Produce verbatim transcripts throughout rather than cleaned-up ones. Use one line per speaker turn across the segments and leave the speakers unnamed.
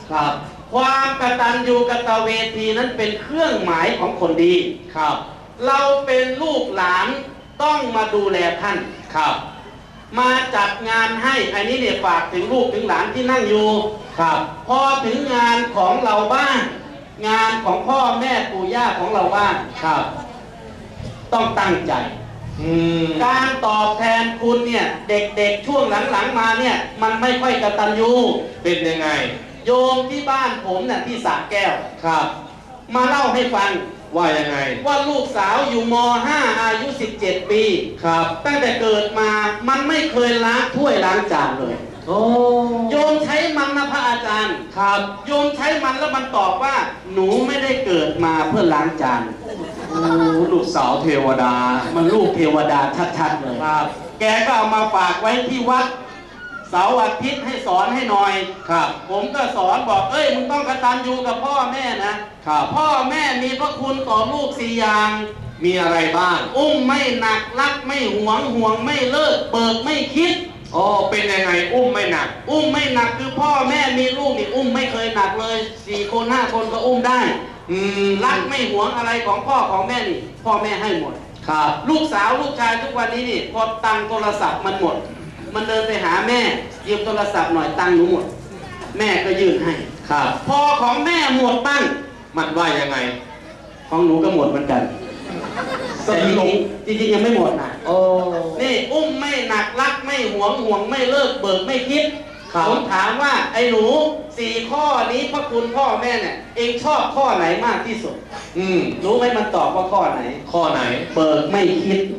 ครับ
ความกตัญญูกตเวทีนั้นเป็นเครื่องหมายของคนดี
ครับ
เราเป็นลูกหลานต้องมาดูแลท่าน
ครับ
มาจัดงานให้อันนี้เนี่ยฝากถึงลูกถึงหลานที่นั่งอยู่
ครับ
พอถึงงานของเราบ้างงานของพ่อแม่ปู่ย่าของเราบ้าง
ครับ
ต้องตั้งใจการตอบแทนคุณเนี่ยเด็กๆช่วงหลังๆมาเนี่ยมันไม่ค่อยกตัญญู
เป็นยังไง
โยมที่บ้านผมเนี่ยที่สระแก้ว
ครับ
มาเล่าให้ฟัง
ว่ายังไง
ว่าลูกสาวอยู่ม ห้า อายุสิบเจ็ดปี
ครับ
ตั้งแต่เกิดมามันไม่เคยล้างถ้วยล้างจานเลย
โอ้
โยมใช้มันนะพระอาจารย์
ครับ
โยมใช้มันแล้วมันตอบว่าหนูไม่ได้เกิดมาเพื่อล้างจาน
โอ้ลูกสาวเทวดา
มันลูกเทวดาชัดๆเลย
ครับ
แกก็เอามาฝากไว้ที่วัดเสาร์อาทิตย์ให้สอนให้หน่อย
ครับ
ผมก็สอนบอกเอ้ยมึงต้องกตัญญูกับพ่อแม่นะครับพ่อแม่มีพระคุณต่อลูกสี่อย่าง
มีอะไรบ้าง
อุ้มไม่หนักรักไม่หวงห่วงไม่เลิกเบิกไม่คิด
อ๋อเป็นยังไงอุ้มไม่หนัก
อุ้มไม่หนักคือพ่อแม่มีลูกนี่อุ้มไม่เคยหนักเลยสี่คนห้าคนก็อุ้มได้
อืม
รักไม่หวงอะไรของพ่อของแม่นี่พ่อแม่ให้หมด
ครับ
ลูกสาวลูกชายทุกวันนี้นี่พอตังโทรศัพท์มันหมดมันเดินไปหาแม่ยืมโทรศัพท์หน่อยตังหนูหมดแม่ก็ยื่นให้
ครับ
พอของแม่หมดบ้าง
มันว่ายังไง
ของหนูก็หมดเหมือนกันแต่จริงจริงยังไม่หมดนะ
โอ้
นี่อุ้มไม่หนักรักไม่หวงห่วงไม่เลิกเบิกไม่คิดผมถามว่าไอ้หนูสี่ข้อนี้พระคุณพ่อแม่เนี่ยเองชอบข้อไหนมากที่สุด
อืม
รู้ไหมมันตอบว่าข้อไหน
ข้อไหน
เบิกไม่คิด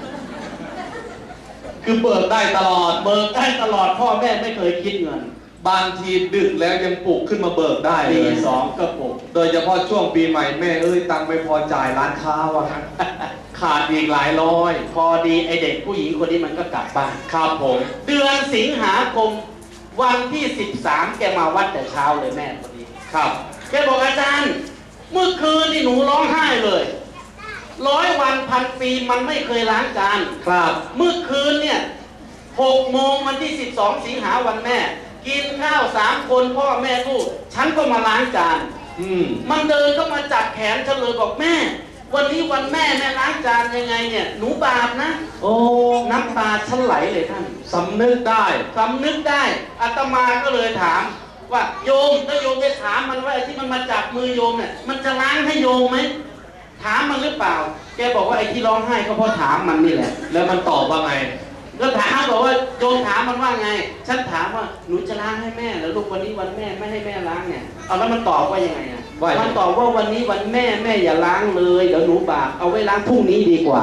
คือเบิกได้ตลอด
เบิกได้ตลอดพ่อแม่ไม่เคยคิดเงิน
บางทีดึกแล้วยังปลุกขึ้นมาเบิกได้
ปีสองก็ปลุก
โดยเฉพาะช่วงปีใหม่แม่เอ้ยตังไม่พอจ่ายร้านค้าว่างั้นขาดอีกหลายร้อย
พอดีไอเด็กผู้หญิงคนนี้มันก็กลับบ้าน
ครับผม
เดือนสิงหาคมวันที่สิบสามแกมาวัดแต่เช้าเลยแม่คนนี้
ครับ
แกบอกอาจารย์เมื่อคืนนี่หนูร้องไห้เลยร้อยวันพันปีมันไม่เคยล้างจาน
ครับ
เมื่อคืนเนี่ยหกโมงวันที่สิบสองสิงหาวันแม่กินข้าวสามคนพ่อแม่ลูกฉันก็มาล้างจาน
อืม
มันเดินเข้ามาจับแขนฉันเลยบอกแม่วันนี้วันแม่แม่ล้างจานยังไงเนี่ยหนูบาปนะ
โอ้
น้ำตาฉันไหลเลยท่าน
สำนึกได้
สำนึกได้อาตมาก็เลยถามว่าโยมถ้าโยมไปถามมันว่าไอ้ที่มันมาจับมือโยมเนี่ยมันจะล้างให้โยมไหมถามมันหรือเปล่าแกบอกว่าไอ้ที่ร้องไห้ก็เพราะถามมันนี่แหละ
แล้วมันตอบว่าไง
ก็ถามบอกว่าโยมถามมันว่าไงฉันถามว่าหนูจะล้างให้แม่แล้วลูกวันนี้วันแม่ไม่ให้แม่ล้างเนี่ยเอาแล้วมันตอบว่ายังไงอ่ะมันตอบว่าวันนี้วันแม่แม่อย่าล้างเลยเดี๋ยวหนูบาปเอาไว้ล้างพรุ่งนี้ดีกว่า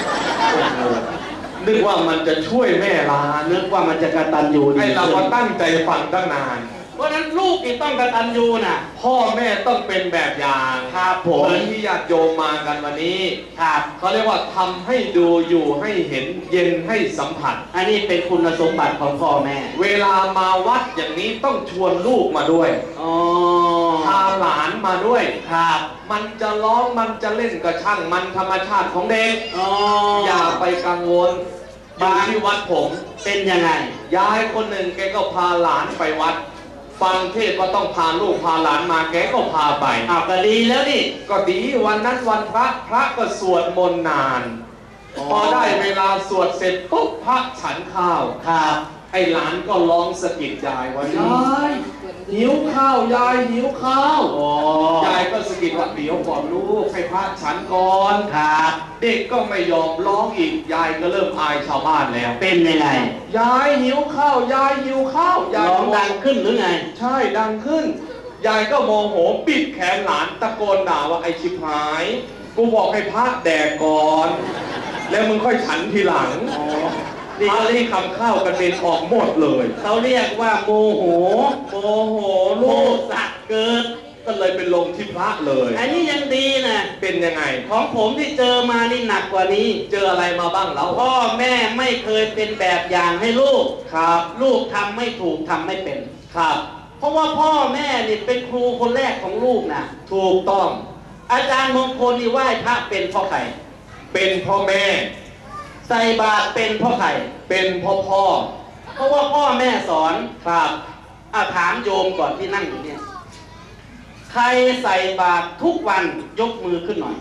นึกว่ามันจะช่วยแม่ล้าง
นึกว่ามันจะกตัญญู
ให้เราตั้งใจฟังตั้งนาน
เพราะนั้นลูกนี่ต้องกตัญญูนะ
พ่อแม่ต้องเป็นแบบอย่าง
ครับผม
เหมือนที่ญาติโยมมากันวันนี้
ครับ
เขาเรียกว่าทำให้ดูอยู่ให้เห็นเย็นให้สัมผัส
อันนี้เป็นคุณสมบัติของพ่อแม่
เวลามาวัดอย่างนี้ต้องชวนลูกมาด้วย
อ๋อ
พาหลานมาด้วย
ครับ
มันจะร้องมันจะเล่นกระช่างมันธรรมชาติของเด็ก
อ๋อ
อย่าไปกังวลบางที่วัดผม
เป็นยังไง
ยายคนหนึ่งแกก็พาหลานไปวัดฟังเทศก็ต้องพาลูกพาหลานมาแกก็พาไป
อ้าวก็ดีแล้วนี่
ก็ดีวันนั้นวันพระพระก็สวดมนต์นานพอได้เวลาสวดเสร็จปุ๊บพระฉันข้าว
ครับ
ไอ้หลานก็ร้องสะกิดยายว่ายายหิวข้าวยายหิวข้าวยายก็สะกิดว่าเดี๋ยวก่อนลูกให้พระฉันก่อน
ครับ
เด็กก็ไม่ยอมร้องอีกยายก็เริ่มอายชาวบ้านแล้ว
เป็นยังไง
ยายหิวข้าวยายหิวข้าวยาย
ร้องดังขึ้นหรือไง
ใช่ดังขึ้นยายก็โมโหปิดแขนหลานตะโกนด่าว่าไอ้ชิบหายกูบอกให้พระแดกก่อนแล้วมึงค่อยฉันทีหลังนี่เขาเรียกคำข้าวกันเป็นออกหมดเลย
เขาเรียกว่าโมโห
โมโหลูก
สักเกิด
ก็เลยเป็นลงที่พระเลย
อันนี้ยังดีนะ
เป็นยังไง
ของผมที่เจอมานี่หนักกว่านี้
เจออะไรมาบ้างแล้ว
พ่อแม่ไม่เคยเป็นแบบอย่างให้ลูก
ครับ
ลูกทำไม่ถูกทำไม่เป็น
ครับ
เพราะว่าพ่อแม่นี่เป็นครูคนแรกของลูกนะ
ถูกต้อง
อาจารย์มงคลนี่ไหว้พระเป็นพ่อใคร
เป็นพ่อแม่
ใส่บาตรเป็นพ่อใคร
เป็นพ่อพ่อ
เพราะว่าพ่อแม่สอน
ครับ
อ่ะถามโยมก่อนที่นั่งอยู่เนี่ยใครใส่บาตรทุกวันยกมือขึ้นหน่อย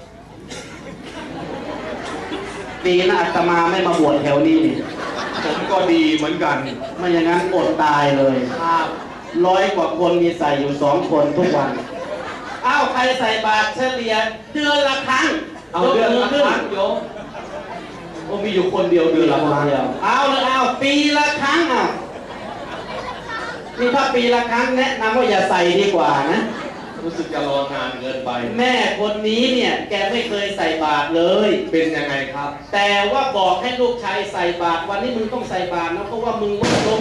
ดีนะอาตมาไม่มาบวชแถวนี้นี่
ผมก็ดีเหมือนกัน
ไม่อย่างนั้นอดตายเลยครับร้อยกว่าคนมีใส่อยู่สองคนทุกวันอ้าวใครใส่บาตรเฉลี่ยเดือนละครั้ง
เอาเดือนละครั้งโยมโอ้มีอยู่คนเดียวเดือนละครั้ง
เอาเลยเอาปีละครั้งอ่ะนี่ถ้าปีละครั้งแนะนำว่าอย่าใส่ดีกว่านะ
รู้สึกจะรอนานเกินไป
แม่คนนี้เนี่ยแกไม่เคยใส่บาตรเลย
เป็นยังไงครับ
แต่ว่าบอกให้ลูกชายใส่บาตรวันนี้มึงต้องใส่บาตรนะเพราะว่ามึงลดล้ม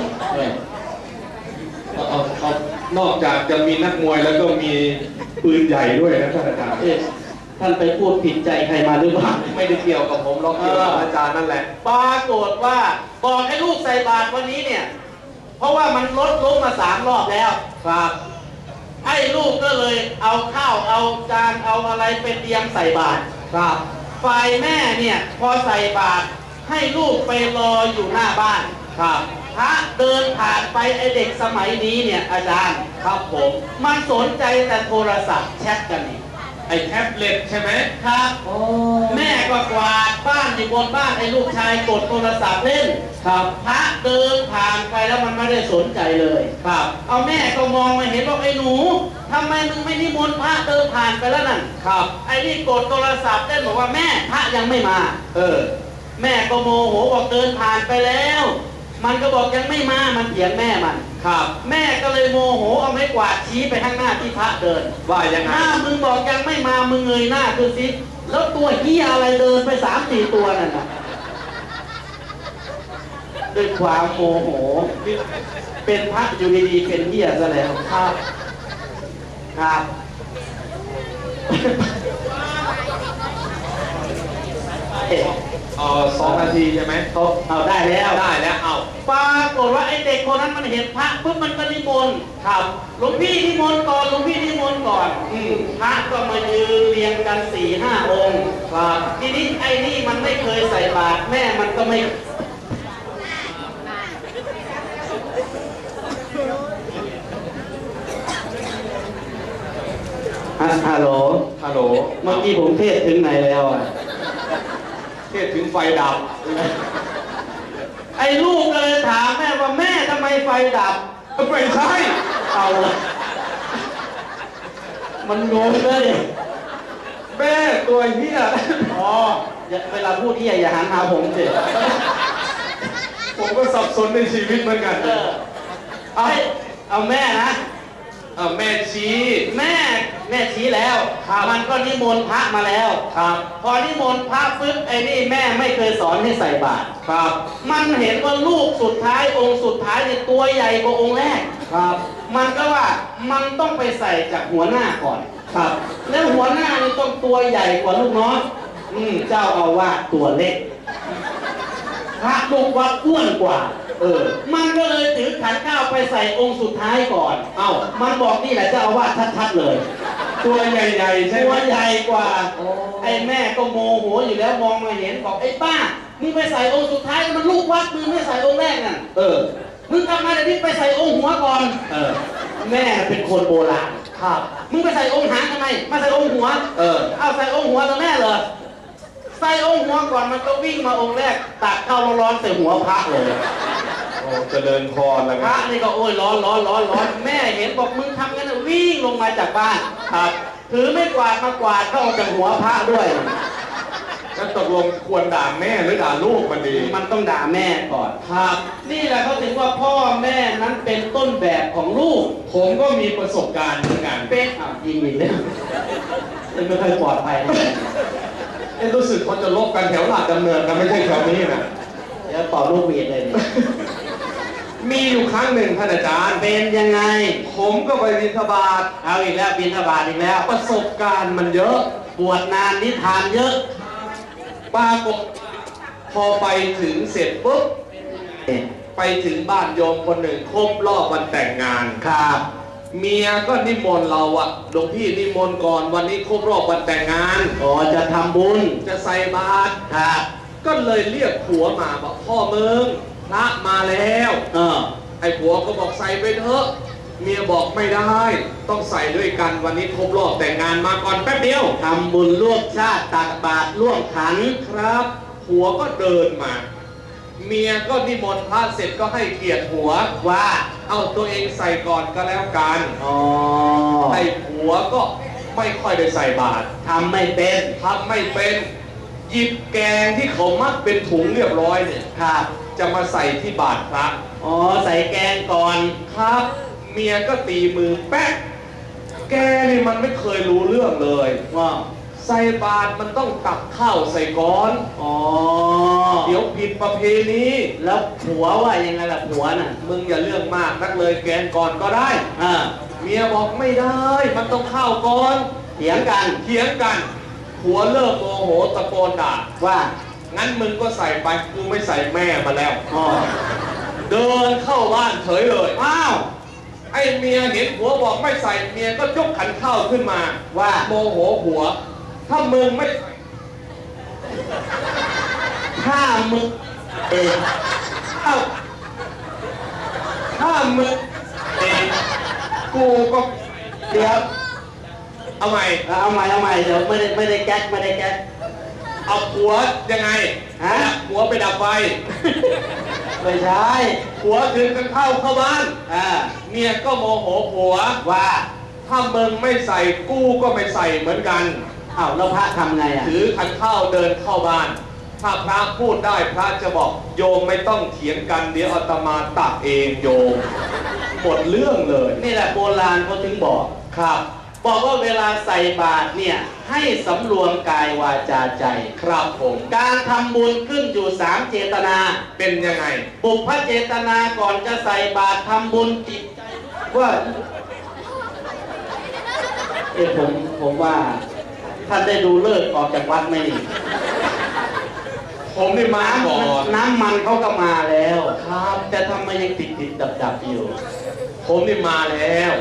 เอาเอาเอานอกจากจะมีนักมวยแล้วก็มีปืนใหญ่ด้วยนะท่านอาจารย์
ท่านไปพูดผิดใจใครมาหรือเปล่า
ไม่ได้เกี่ยวกับผมหรอกเกี่ยวกับอาจารย์นั่นแหละ
ปรากฏว่าบอกให้ลูกใส่บาตรวันนี้เนี่ยเพราะว่ามันลดล้มมาสามรอบแล้ว
ครับ
ไอ้ลูกก็เลยเอาข้าวเอาจานเอาอะไรไปเตรียมใส่บาตร
ครับ
ฝ่ายแม่เนี่ยพอใส่บาตรให้ลูกไปรออยู่หน้าบ้าน
ครับ
พระเดินผ่านไปไอเด็กสมัยนี้เนี่ยอาจารย์
ครับผม
มันสนใจแต่โทรศัพท์แชทกันนี่
ไอแท็บเล็ตใช่ไหม
ครับแม่ก็กวาดบ้านอยู่บนบ้านไอ้ลูกชายกดโทรศัพท์เล่น
ครับ
พระเดินผ่านไปแล้วมันไม่ได้สนใจเลย
ครับ
เอาแม่ก็มองมาเห็นว่าไอ้หนูทำไมมึงไม่นิมนต์พระเดินผ่านไปแล้วนั่น
ครับ
ไอ้นี่กดโทรศัพท์เล่นบอกว่าแม่พระยังไม่มา
เออ
แม่ก็โมโหบอกเดินผ่านไปแล้วมันก็บอกยังไม่มามันเถียงแม่มัน
ครับ
แม่ก็เลยโมโหเอาไม้กวาดชี้ไปข้างหน้าที่พระเดิน
ว่ายังไง
ถ้ามึงบอกยังไม่มามึงเงยหน้าคือสิแล้วตัวเหี้ยอะไรเดินไปสามสี่ตัวนั่นน่ะด้วยความโมโหเป็นพระอยู่ดีๆเป็นเหี้ยซะแล้วครับครับ
เออสองนาทีใช่ไหม
เขาเอาได้แล้ว
ได้แล้วเอา
ปรากฏว่าไอ้เด็กคนนั้นมันเห็นพระปุ๊บมันก็นิมนต์ครับหลวงพี่นิมนต์ก่อนหลวงพี่นิมนต์ก่อนอืมพระก็มายืนเรียงกันสี่ห้าองค์ครับทีนี้ไอ้นี่มันไม่เคยใส่บาตรแม่มันก็ไม่ฮัลโหล
ฮัลโหล
เมื่อกี้ผมเทศถึงไหนแล้วอ่ะ
เทศถึงไฟดับ
ไอ้ลูกเลยถามแม่ว่าแม่ทำไมไฟดับ
ไม่ใช่
เอามันงงเลย
แม่ตัวเหี้ย
อ๋อเวลาพูดเหี้ยอย่าหันหาผมสิ
ผมก็สับสนในชีวิตเหมือนกัน
เอาเอาแม่นะ
เอาแม่ชี้
แม่แม่ชี้แล้วมันก็นิมนต์พระมาแล้ว
ครับ
พอนิมนต์พระปึ๊บไอ้นี่แม่ไม่เคยสอนให้ใส่บาตร
ครับ
มันเห็นว่าลูกสุดท้ายองค์สุดท้ายเนี่ยตัวใหญ่กว่าองค์แรก
ครับ
มันก็ว่ามันต้องไปใส่จากหัวหน้าก่อน
ครับ
แล้วหัวหน้านี่ต้องตัวใหญ่กว่าลูกน้องอืมเจ้าอาวาสตัวเล็กพระลูกวัดอ้วนกว่าเออมันก็เลยถือขันข้าวไปใส่องค์สุดท้ายก่อน
เอ้า
มันบอกนี่แหละเจ้าอาวาสชัดๆเลย
ตัวใหญ่ๆใช่ไหม
ตัวใหญ่กว่าไอ้แม่ก็โมโหอยู่แล้วมองมาเห็นบอกไอ้ป้ามึงไปใส่องค์สุดท้ายมันลูกวัดมึงไม่ใส่องค์แรกนั่น
เออ
มึงกลับมาเดี๋ยวนี้ไปใส่องค์หัวก่อน
เออ
แม่เป็นคนโบราณ
ครับ
มึงไปใส่องค์หางทำไมมาใส่องค์หัว
เออ
เอาใส่องค์หัวแล้วแม่เหรอใส่องค์หัวก่อนมันก็วิ่งมาองค์แรกตักข้าวร้อนๆใส่หัวพระเลย
โอ้เจริญพรแล้ว
พระนี่ก็โอ้ยร้อนร้อนร้อนร้อนแม่เห็นบอกมึงทำงั้นวิ่งลงมาจากบ้าน
ครับ
ถือไม่กวาดมากวาดเข้าจากหัวพระด้วย
แล้วตกลงควรด่าแม่หรือด่าลูกมันดี
มันต้องด่าแม่ก่อนครับนี่แหละเขาถึงว่าพ่อแม่นั้นเป็นต้นแบบของลูก
ผมก็มีประสบการณ์เหมือนกัน
เป็นอ่ะยิงอีกแล้วไม่ค่อยปลอดภัย
เอ๊ะรู้สึกเขาจะลบกันแถวหลักดำเนินกันไม่ใช่แถวนี้นะ
เดี๋ยวเป่าลูกเวียนเลย
มีอยู่ครั้งหนึ่งท่านอาจารย์
เป็นยังไง
ผมก็ไปบิณฑบาต
เอาอีกแล้วบิณฑบาตอีกแล้ว
ประสบการณ์มันเยอะ
บวชนานนิทานเยอะ
ปรากฏพอไปถึงเสร็จปุ๊บไปถึงบ้านโยมคนหนึ่งครบรอบวันแต่งงาน
ครับ
เมียก็นิมนต์เราอะหลวงพี่นิมนต์ก่อนวันนี้ครบรอบวันแต่งงาน
อ๋อจะทำบุญ
จะใส่บาตร
ครับ
ก็เลยเรียกผัวมาบอกพ่อมึงพระมาแล้ว
เออ
ไอ้ผัวก็บอกใส่ไปเถอะเมียบอกไม่ได้ต้องใส่ด้วยกันวันนี้ครบรอบแต่งงานมาก่อนแป๊บเดียว
ทำบุญร่วมชาติตักบาตรร่วมขัน
ครับหัวก็เดินมาเมียก็นิมนต์พระเสร็จก็ให้เกียรติหัวว่าเอาตัวเองใส่ก่อนก็แล้วกัน
อ๋อ
ไอ้หัวก็ไม่ค่อยได้ใส่บาตร
ทำไม่เป็น
ทำไม่เป็นหยิบแกงที่เขามัดเป็นถุงเรียบร้อยเนี่ย
ครับ
จะมาใส่ที่บาตรพระ
อ๋อใส่แกงก่อน
ครับเมียก็ตีมือแป๊ะแกนี่มันไม่เคยรู้เรื่องเลย
ว่า
ใส่บาตรมันต้องตักข้าวใส่ก้อน
อ๋อ
เดี๋ยวผิดประเพณี
แล้วผัวว่ายังไงล่ะผัวน่ะ
มึงอย่าเรื่องมากนักเลยแกงก่อนก็ได้
อ่า
เมียบอกไม่ได้มันต้องข้าวก่อน
เถียงกัน
เถียงกันผัวเลิกโมโหตะโกนด่า
ว่า
งั้นมึงก็ใส่ไปกูไม่ใส่แม่มาแล้วอ๋อเดินเข้าบ้านเฉยเลย
อ้าว
ไอ้เมียเห็นผัวบอกไม่ใส่เมียก็ยกขันข้าวขึ้นมา
ว่า
โมโหผัวถ้ามึงไม่
ถ้ามึงเอง
เอ้าถ้ามึงเองกูก็
เดี๋ยว
เอาใหม่
เอาใหม่เอาใหม่เดี๋ยวไม่ได้ไม่ได้แก๊กไม่ได้แก๊ก
เอาผัวยังไง
ฮะ
ผัวไปดับไฟ
ไม่ใช่
ผัวถึงกันเข้าเข้าบ้าน
อ่า
เมียก็โมโหผัว
ว่า
ถ้ามึงไม่ใส่กูก็ไม่ใส่เหมือนกัน
อ้าวแล้วพระทำไงอ่ะ
ถือขันข้าวเดินเข้าบ้านถ้าพระพูดได้พระจะบอกโยมไม่ต้องเถียงกันเดี๋ยวอาตมาตักเองโยมหมดเรื่องเลย
นี่แหละโบราณเขาถึงบอก
ครับ
บอกว่าเวลาใส่บาตรเนี่ยให้สำรวมกายวาจาใจ
ครับผม
การทำบุญขึ้นอยู่สามเจตนา
เป็นยังไง
บุพเจตนาก่อนจะใส่บาตรทำบุญจิตใจว่าเอ้ผมผมว่าท่านได้ดูเลิกออกจากวัดไหมนี่
ผมได้มาก่อน
น้ำมันเขาก็มาแล้วครับแต่ทำไมยังติดติดดับดับอยู่
ผมได้มาแล้ว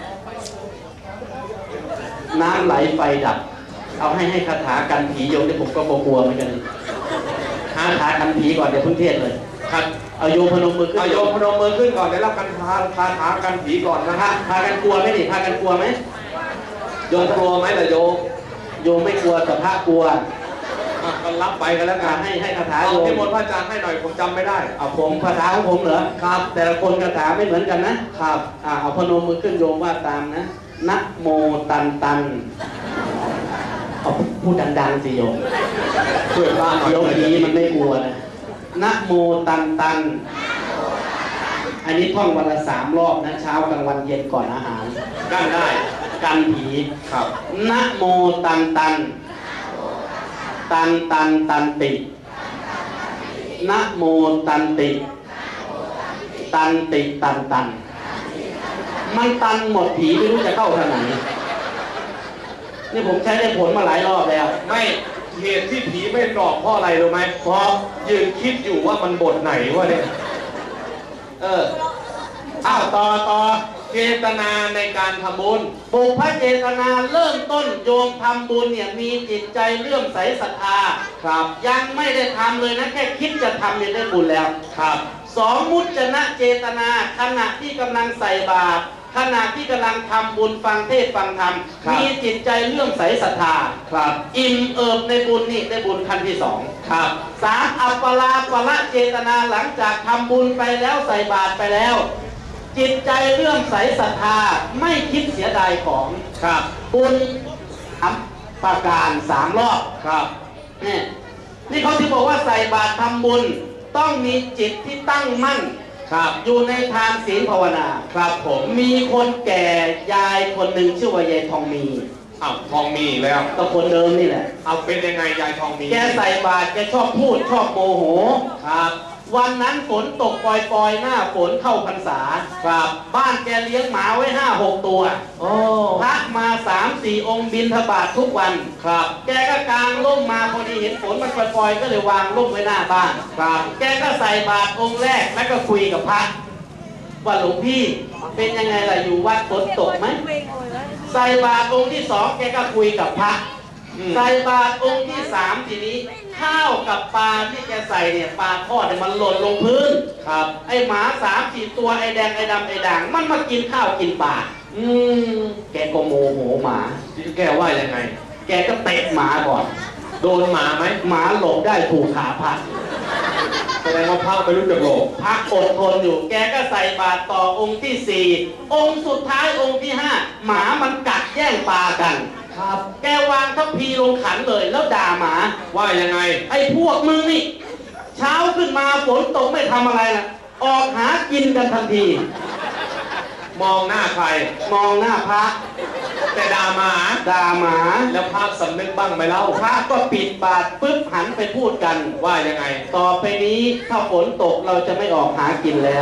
น้ำไหลไฟดับเอาให้ให้คาถากันผีโยมที่ผมก็กลัวเหมือนกันหาคาถากันผีก่อนเดี๋ยวเพิ่งเทศเลย
ครับ
เอาโยมพนมมือขึ้น
เอาโยมพนมมือขึ้นก่อนเดี๋ยวรับกันคาคาถากันผีก่อนนะฮะ
พากันกลัวไหมนี่พากันกลัวไหม
โยมกลัวไหมล่ะโยม
โยมไม่กลัวแต่พระกลัว
ก็รับไปกันแล้วกัน
ให้ให้คาถา
โย
ม
ที่มนต์พระอาจารย์ให้หน่อยผมจำไม่ได้
เอาผมคาถาของผมเหรอครับแต่ละคนคาถาไม่เหมือนกันนะครับอ่าเอาพนมมือขึ้นโยมว่าตามนะนะโมตันตันเอาพูดดังๆสิโยม
ช่วยบ้านหน่อย
โยมนี้มันไม่กลัวนะนะโมตันตันอันนี้ท่องวันละสามรอบนะเช้ากลางวันเย็นก่อนอาหาร
กันได้
กันผี
ครับ
นะโมตันตันตันตันตันตินะโมตันติตันติตันตันมันตันหมดผีไม่รู้จะเข้าทางไหนนี่ผมใช้ได้ผลมาหลายรอบแล้ว
ไม่เหตุที่ผีไม่กรอกเพราะอะไรรู้ไหม
เพราะ
ยืนคิดอยู่ว่ามันบทไหนวะเนี่ยเออ
อ้าวต่อต่อ
เจตนาในการทำบุญ
บุพเจตนาเริ่มต้นโยมทำบุญเนี่ยมีจิตใจเลื่อมใสศรัทธา
ครับ
ยังไม่ได้ทำเลยนะแค่คิดจะทำเนี่ยได้บุญแล้ว
ครับ
สองมุจนะเจตนาขณะที่กำลังใส่บาตรขณะที่กำลังทำบุญฟังเทศฟังธรรมมีจิตใจเลื่อมใสศรัทธา
ครับ
อิ่มเอิบในบุญนี่ได้บุญขั้นที่สอง
ครับ
สามอัปปลาปละเจตนาหลังจากทำบุญไปแล้วใส่บาตรไปแล้วจิตใจเลื่อมใสศรัทธาไม่คิดเสียดายของ
ครับ
บุญทำประการสามรอบ
ครับ
นี่นี่เขาที่บอกว่าใส่บาตรทำบุญต้องมีจิตที่ตั้งมั่น
ครับ
อยู่ในทานศีลภาวนา
ครับผม
มีคนแก่ยายคนหนึ่งชื่อว่ายายทองมี
อ้าวทองมีแล้ว
ก็คนเดิมนี่แหละ
เอาเป็นยังไงยายทองมี
แกใส่บาตรแกชอบพูดชอบโมโห
ครับ
วันนั้นฝนตกปล่อยๆหน้าฝนเข้าพรรษา
ครับ
บ้านแกเลี้ยงหมาไว้ห้าหกตัว
โอ้
พระมาสามสี่องค์บิณฑบาตทุกวัน
ครับ
แกก็กางร่มมาพอดีเห็นฝนมันปล่อยๆก็เลยวางร่มไว้หน้าบ้าน
ครับ
แกก็ใส่บาตรองค์แรกแล้วก็คุยกับพระว่าหลวงพี่เป็นยังไงล่ะอยู่วัดฝนตกไหมใส่บาตรองค์ที่สองแกก็คุยกับพระ
อืม
ใส่บาตรองค์ที่สามทีนี้ ข้าวกับปลาที่แกใส่เนี่ยปลาทอดเนี่ยมันหล่นลงพื้น
ครับ
ไอหมาสามสี่ตัวไอแดงไอดำไอด่างมันมากินข้าวกินปลา
อืม
แกก็โมโหหมา
แกว่ายังไง
แกก็เตะหมาก่อน
โดนหมาไหม
หมาหลบได้ถูกขาพัด
แสดงว่าพระไม่รู้จักโลก
พักอดทนอยู่ แกก็ใส่บาตรต่อองค์ที่สี่องค์สุดท้ายองค์ที่ห้าหมามันกัดแย่งปลากัน
ครับ
แกวางทัพพีลงขันเลยแล้วด่าหมา
ว่ายังไง
ไอ้พวกมึงนี่ เช้าขึ้นมาฝนตกไม่ทำอะไรนะออกหากินกันทันที
มองหน้าใคร
มองหน้าพระ
แต่ด่าหมา
ด่าหมา
แล้วพระสำนึกบ้างไหมเล่า
พระก็ปิดบาตรปึ๊บหันไปพูดกัน
ว่ายังไง
ต่อไปนี้ถ้าฝนตกเราจะไม่ออกหากินแล้ว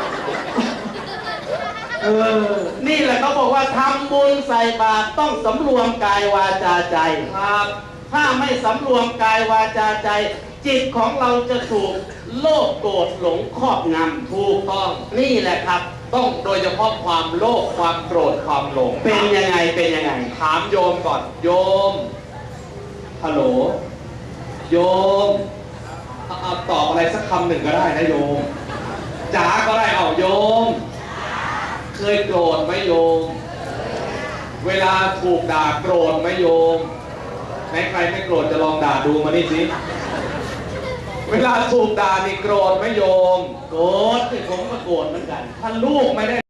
เออ
นี่แหละเขาบอกว่าทำบุญใส่บาตรต้องสำรวมกายวาจาใจ
ครับ
ถ้าไม่สำรวมกายวาจาใจ จิตของเราจะถูกโลภโกรธหลงครอบงำถูกต้องนี่แหละครับ
ต้องโดยเฉพาะความโลภความโกรธความหลง
เป็นยังไงเป็นยังไง
ถามโยมก่อน โยม ฮัลโหล โยมเอาเอาตอบอะไรสักคำหนึ่งก็ได้นะโยม จ๋าก็ได้เอาโยม เคยโกรธไหมโยม เวลาถูกด่าโกรธไหมโยมไหนใครไม่โกรธจะลองด่าดูมานี่สิ เวลาถูกด่านี่โกรธไหมโยม
โกรธที่ผมก็โกรธเหมือนกัน
ถ้าลูกไม่ได้